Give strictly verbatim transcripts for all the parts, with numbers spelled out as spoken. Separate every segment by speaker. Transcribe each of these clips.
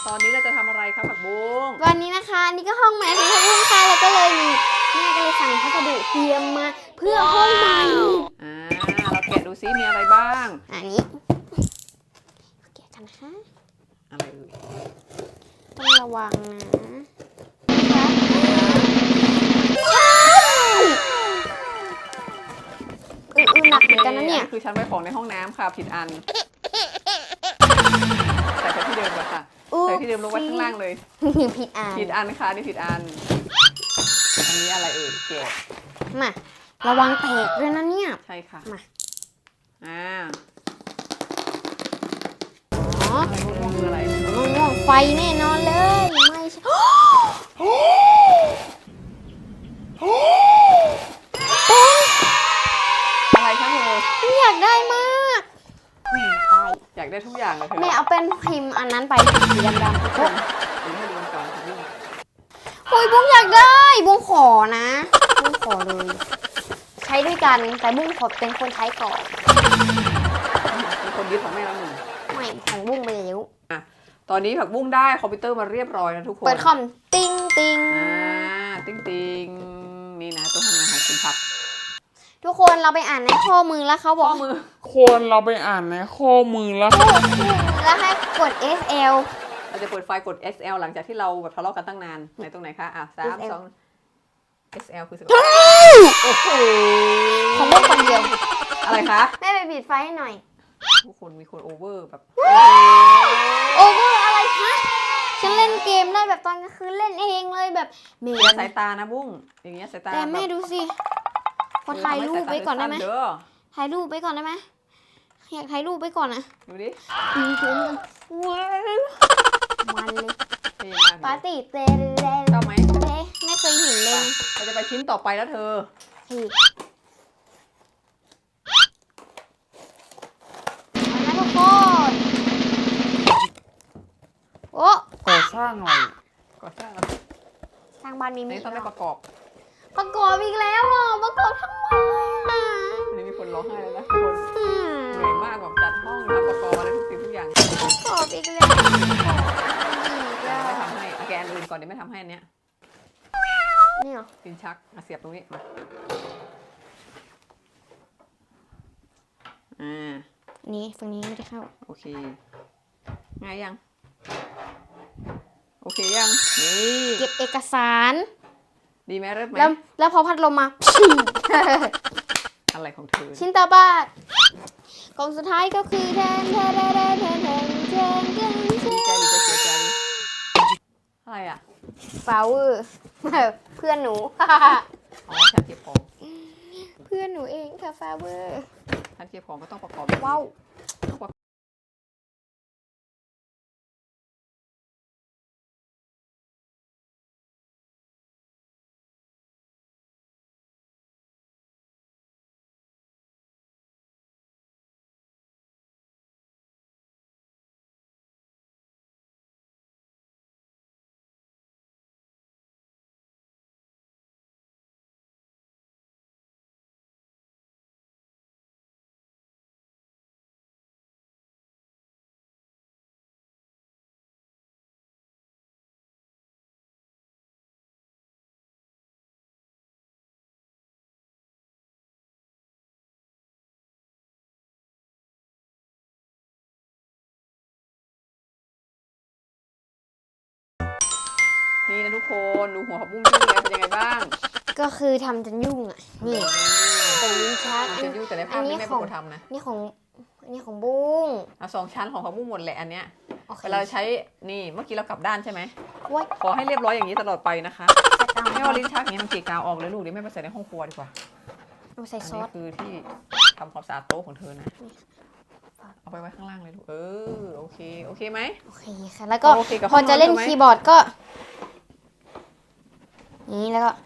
Speaker 1: ตอนนี้เราจะทำอะไรครับผักบุ้ง
Speaker 2: วันนี้นะคะอันนี้ก็ห้องใหม่ของผักบุ้งค่ะแล้วก็เลยมีแม่ก็เลยสั่งพัสดุเตรียมมาเพื่อห้องใหม่
Speaker 1: อ่าเราแกะดูซิมีอะไรบ้าง
Speaker 2: อันนี้แกะกันนะคะ
Speaker 1: อะไรเอ่ย
Speaker 2: ต้องระวังนะอืออือหนักเหมือนกันนะเนี่ย
Speaker 1: คือฉันไว้ของในห้องน้ำค่ะผิดอันใส่ไปที่เดิมก่อนค่ะใส่ที่เดิมลงไว้ข้างล่างเลย
Speaker 2: ผิดอัน
Speaker 1: ผิดอันค่ะนี่ผิดอันอันนี้อะไรเอ่ยแกะ
Speaker 2: มาระวังแตกด้วยนะเนี่ย
Speaker 1: ใช่ค่ะ
Speaker 2: มา
Speaker 1: อ่า
Speaker 2: อ๋อ
Speaker 1: ม่วงคืออะไร
Speaker 2: ม่วงไฟแน่นอนเลยไม่ใช่
Speaker 1: อะไรคะเธอ
Speaker 2: อยากได้มาก
Speaker 1: อยากได้ทุกอย่างเลยเธอ
Speaker 2: แม่เอาเป็นพิมพ์อันนั้นไปสีดำๆปุ๊บ
Speaker 1: เดี๋ยวให้ดูก่อนค่ะบุ้ง
Speaker 2: โอ้ยบุ้งอยากได้บุ้งขอนะบุ้งขอเลยใช้ด้วยกันแต่บุ้งขอเป็นคนใช้ก่อน
Speaker 1: มีคนยึดของแม่แล้วหนึ่ง
Speaker 2: ไม่ของบุ้งไปแล้ว
Speaker 1: อ่ะตอนนี้ผักบุ้งได้คอมพิวเตอร์มาเรียบร้อยนะทุกคน
Speaker 2: เปิดคอมติ้งติ้ง
Speaker 1: อ่าติ้งติ้งนี่นะตัวทำงานของคุณผัก
Speaker 2: ทุกคนเราไปอ่านในข้อมือแล้วเขาบอก
Speaker 1: ข้อมือ
Speaker 3: คนเราไปอ่านในข้อมือแล้ว
Speaker 2: แล้วให้กด เอส แอล
Speaker 1: เราจะเปิดไฟล์กด เอส แอล หลังจากที่เราแบบทะเลาะกันตั้งนานไหนตรงไหนคะอ่ะสามสอง เอส แอล คือสิบโอ้โห
Speaker 2: ของบุ้งคนเดียว
Speaker 1: อะไรคะ
Speaker 2: แม่ไปปิดไฟให้หน่อย
Speaker 1: ทุกคนมีคนโอเวอร์แบบ
Speaker 2: โอเวอร์อะไรคะฉันเล่นเกมได้แบบตอนกลางคืนเล่นเองเลยแบบ
Speaker 1: เสียสายตานะบุ้งอย่างเงี้ยสายตา
Speaker 2: แต่แม่ดูสิขอถ่ายรูปไปก่อนได้ไหมถ่ายรูปไปก่อนได้ไหมอยากถ่ายรูปไปก่อนนะ
Speaker 1: ดูดิ
Speaker 2: ยิงเกมกันมันเลยปาร์ตี้เต้เต้
Speaker 1: ชอบไหม
Speaker 2: ไม่เคยเห็นเลย
Speaker 1: เราจะไปชิ้นต่อไปแล้วเธอ
Speaker 2: มาทุกคนโอ้
Speaker 3: ก่อสร้างอะไร
Speaker 1: ก่อสร้าง
Speaker 2: ทางบ้านมีมี
Speaker 1: ต้องได้ประกอบ
Speaker 2: ประกอบอีกแล้วอ่ะประกอบทั้งวันเลย
Speaker 1: อันนี้มีคนร้องไห้แล้วนะคนเหนื่อยมากแบบจัดห้องทำประกอบอะไรทุกสิ่งทุกอย่าง
Speaker 2: ประกอบอีกแล้ว
Speaker 1: ไม่ทำให้แกนอื่นก่อนเดี๋ยวไม่ทำให้อันเนี้ย
Speaker 2: นี่เหรอ
Speaker 1: ลิ้นชักมาเสียบตรงนี้มาอ่า
Speaker 2: นี่ฝั่งนี้ไม่ได้เข้า
Speaker 1: โอเคง่ายยังโอเคยังนี่
Speaker 2: เก็บเอกสาร
Speaker 1: ดีไหมเริ่มไหม
Speaker 2: แล้วแล้วพอพัดลมมา
Speaker 1: อะไรของเธอ
Speaker 2: ชิ้นต่อไปกล่องสุดท้ายก็คือแทนแทนแทนแทนแทนแทนแทนแทน
Speaker 1: ดีใจหรือจะเสียใจอะไรอ่ะ
Speaker 2: ฟาวเวอร์เพื่อนหนู
Speaker 1: อ๋อฉันเก็บของ
Speaker 2: เพื่อนหนูเองค่ะฟาวเวอร์
Speaker 1: ฉันเก็บของก็ต้องประกอบ
Speaker 2: ว้าว
Speaker 1: นี่นะทุกคนดูหัวผักบุ้งยุ่งแล้วเป็นยังไงบ้าง
Speaker 2: ก็คือทำจนยุ่งอ่ะนี่เป็นลิ้นชัก
Speaker 1: อันนี้แต่ในภาพนี้ไม่เป็นคนทำนะ
Speaker 2: นี่ของนี่ของบุ้ง
Speaker 1: อ่ะสองชั้นของผักบุ้งหมดแหละอันเนี้ยเวลาใช้นี่เมื่อกี้เรากลับด้านใช่ไหมขอให้เรียบร้อยอย่างนี้ตลอดไปนะคะไม่ว่าลิ้นชักอย่างนี้มันเกะกะออกเลยลูกเดี๋ยวแม่ไปใส่ในห้องครัวดีกว่า
Speaker 2: เอาใส่ซอส
Speaker 1: คือที่ทำความสะอาดโต๊ะของเธอนะเอาไปไว้ข้างล่างเลยลูกเออโอเคโอเคไหม
Speaker 2: โอเคค่ะแล้วก็พอจะเล่นคีย์บอร์ดก็นี่แล้วก็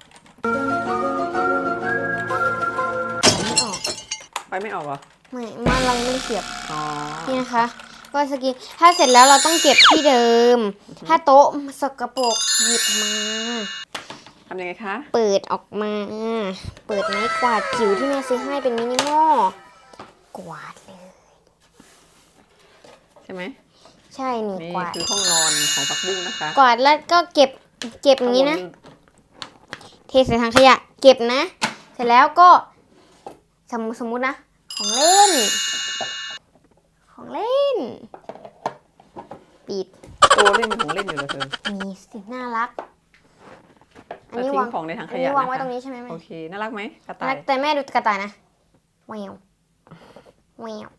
Speaker 1: ไปไม่ออกเหรอ
Speaker 2: ไม่มันลังไม่เสียบ
Speaker 1: อ๋อ
Speaker 2: นี่นะคะก็สกินถ้าเสร็จแล้วเราต้องเก็บที่เดิมถ้าโต๊ะสกปรกหยิบมา
Speaker 1: ทำยังไงคะ
Speaker 2: เปิดออกมาเปิดไม้กวาดจิ๋วที่แม่ซื้อให้เป็นมินิมอลกวาดเลย
Speaker 1: ใช่ไหม
Speaker 2: ใช่นี่
Speaker 1: นี่
Speaker 2: กวาด
Speaker 1: คือห้องนอนของผักบุ้งนะคะ
Speaker 2: กวาดแล้วก็เก็บเก็บอย่างนี้นะ เทใส่ถังขยะ เก็บนะ เสร็จแล้วก็สมมติสมมุตินะ ของเล่น ของเล่น ปิด
Speaker 1: โอ้เล่นเป็นของเล่นอยู่เลยเธอ
Speaker 2: มีสิน่ารัก อัน
Speaker 1: แล้ว
Speaker 2: นี้
Speaker 1: ทิ้
Speaker 2: วาง
Speaker 1: งของในถังข
Speaker 2: อัน
Speaker 1: ยะ
Speaker 2: นี้วางไว้
Speaker 1: นะคะ
Speaker 2: ตรงนี้ใช่ไหมแม่
Speaker 1: โอเคน่ารักไหมกระต่า
Speaker 2: รั
Speaker 1: ย
Speaker 2: กแต่แม่ดูกระต่ายนะแววแวว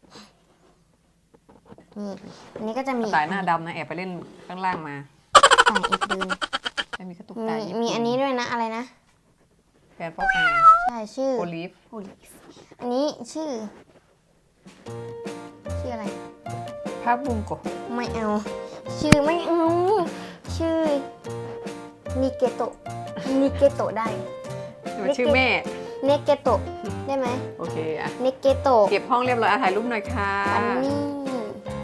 Speaker 2: นี่อันนี้ก็จะ
Speaker 1: ก
Speaker 2: มี
Speaker 1: ระต่ายหน้าดำนะแอบไปเล่นข้างล่างมา
Speaker 2: ใส่อีกดึง
Speaker 1: ไม่มีกระตุก
Speaker 2: มี
Speaker 1: ตาญี่ปุ่
Speaker 2: มีอันนี้ด้วยนะ อะไรนะ
Speaker 1: แฟนป๊อปอาย
Speaker 2: ใช่ชื่อ
Speaker 1: โอลิฟ
Speaker 2: โอลิฟอันนี้ชื่อ ชื่ออะไร
Speaker 1: ผักบุ้งโกะ
Speaker 2: ไม่เอา ชื่อไม่เอา ชื่อนิเกโตะนิเกโตะได้
Speaker 1: มันชื่อแม่
Speaker 2: เนเกโตะได้ไหม
Speaker 1: โอเคอะ
Speaker 2: เนเกโตะ
Speaker 1: เก็บห้องเรียบร้อยอ่ะถ่ายรูปหน่อยค่ะ
Speaker 2: อันนี้